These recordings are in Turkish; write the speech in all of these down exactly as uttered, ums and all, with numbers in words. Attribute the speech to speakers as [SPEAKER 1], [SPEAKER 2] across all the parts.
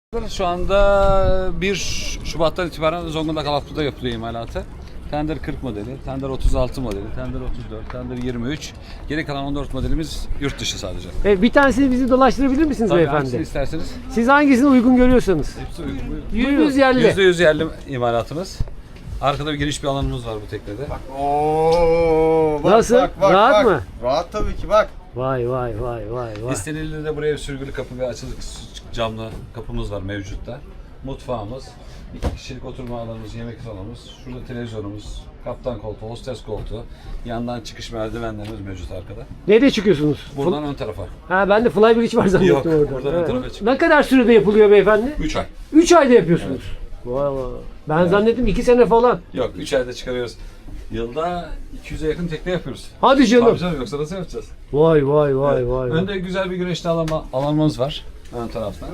[SPEAKER 1] Şu anda bir Şubat'tan itibaren Zonguldak Alaplı'da yapılıyor imalatı. Tender kırk modeli, Tender otuz altı modeli, Tender otuz dört, Tender yirmi üç. Geri kalan on dört modelimiz yurt dışı sadece.
[SPEAKER 2] E, bir tanesini bizi dolaştırabilir misiniz
[SPEAKER 1] Tabii
[SPEAKER 2] beyefendi?
[SPEAKER 1] hangisini isterseniz.
[SPEAKER 2] Siz hangisini uygun görüyorsanız.
[SPEAKER 1] Hepsi uygun.
[SPEAKER 2] Yüz yerli.
[SPEAKER 1] yüzde yüz yerli imalatımız. Arkada bir geniş bir alanımız var bu teknede.
[SPEAKER 3] Oo, bak,
[SPEAKER 2] Nasıl?
[SPEAKER 3] Bak, bak,
[SPEAKER 2] Rahat
[SPEAKER 3] bak.
[SPEAKER 2] mı?
[SPEAKER 3] Rahat tabii ki bak.
[SPEAKER 2] Vay vay vay vay vay.
[SPEAKER 1] İstenildiğinde buraya bir sürgülü kapı ve açılık camlı kapımız var mevcutta. Mutfağımız, iki kişilik oturma alanımız, yemek salonumuz, şurada televizyonumuz, kaptan koltuğu, hostes koltuğu, yandan çıkış merdivenlerimiz mevcut arkada.
[SPEAKER 2] Nerede çıkıyorsunuz?
[SPEAKER 1] Buradan ön tarafa.
[SPEAKER 2] Ha ben de flybridge var zannettim
[SPEAKER 1] Yok,
[SPEAKER 2] orada.
[SPEAKER 1] buradan ön
[SPEAKER 2] Evet.
[SPEAKER 1] tarafa çık.
[SPEAKER 2] Ne kadar sürede yapılıyor beyefendi?
[SPEAKER 1] üç ay.
[SPEAKER 2] üç ayda yapıyorsunuz. Vay vay. Ben zannettim iki sene falan.
[SPEAKER 1] Yok, üç ayda çıkarıyoruz. Yılda iki yüze yakın tekne yapıyoruz.
[SPEAKER 2] Hadi canım.
[SPEAKER 1] Tabii canım, yoksa nasıl yapacağız?
[SPEAKER 2] Vay vay vay vay. vay.
[SPEAKER 1] Önde güzel bir güneşli alanma, alanımız var ön taraftan.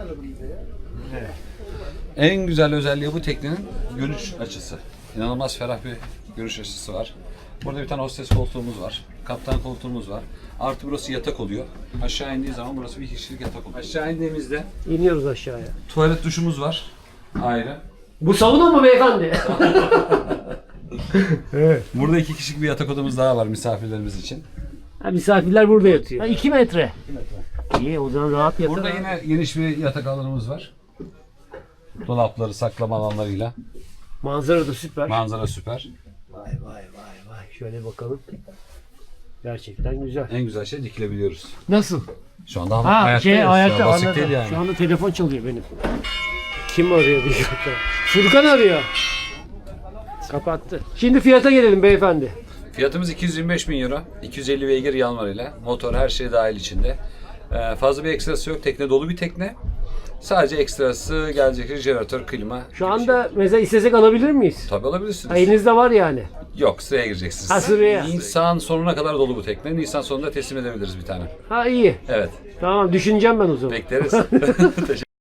[SPEAKER 1] En güzel özelliği bu teknenin görüş açısı. İnanılmaz ferah bir görüş açısı var. Burada bir tane hostes koltuğumuz var. Kaptan koltuğumuz var. Artı burası yatak oluyor. Aşağı indiği zaman burası bir kişilik yatak oluyor. Aşağı indiğimizde
[SPEAKER 2] İniyoruz aşağıya.
[SPEAKER 1] tuvalet duşumuz var. Ayrı.
[SPEAKER 2] Bu sauna mı beyefendi? Evet.
[SPEAKER 1] Burada iki kişilik bir yatak odamız daha var misafirlerimiz için.
[SPEAKER 2] Ha, misafirler burada yatıyor. Ha, iki metre. İyi o zaman rahat yatar.
[SPEAKER 1] Burada
[SPEAKER 2] ha.
[SPEAKER 1] yine geniş bir yatak alanımız var. Dolapları, saklama alanlarıyla.
[SPEAKER 2] Manzara da süper.
[SPEAKER 1] Manzara süper.
[SPEAKER 2] Vay vay vay vay. Şöyle bakalım. Gerçekten güzel.
[SPEAKER 1] En güzel şey dikilebiliyoruz.
[SPEAKER 2] Nasıl?
[SPEAKER 1] Şu anda
[SPEAKER 2] Ha
[SPEAKER 1] ayaktayız.
[SPEAKER 2] şey
[SPEAKER 1] Ya,
[SPEAKER 2] ayakta
[SPEAKER 1] basit
[SPEAKER 2] anladım.
[SPEAKER 1] değil yani.
[SPEAKER 2] Şu anda telefon çalıyor benim. Kim arıyor diye. Furkan arıyor. Kapattı. Şimdi fiyata gelelim beyefendi.
[SPEAKER 1] Fiyatımız iki yüz yirmi beş bin euro. iki yüz elli beygir yanvarıyla. Motor her şey dahil içinde. Ee, fazla bir ekstrası yok. Tekne dolu bir tekne. Sadece ekstrası gelecek jeneratör, klima.
[SPEAKER 2] Şu
[SPEAKER 1] gibi
[SPEAKER 2] anda
[SPEAKER 1] şey.
[SPEAKER 2] mesela istesek alabilir miyiz?
[SPEAKER 1] Tabii alabilirsiniz.
[SPEAKER 2] Ha, elinizde var yani.
[SPEAKER 1] Yok, sıraya gireceksiniz.
[SPEAKER 2] Ha, sıraya.
[SPEAKER 1] Nisan sonuna kadar dolu bu tekne. Nisan sonunda teslim edebiliriz bir tane.
[SPEAKER 2] Ha iyi.
[SPEAKER 1] Evet.
[SPEAKER 2] Tamam düşüneceğim ben o zaman.
[SPEAKER 1] Bekleriz. Teşekkür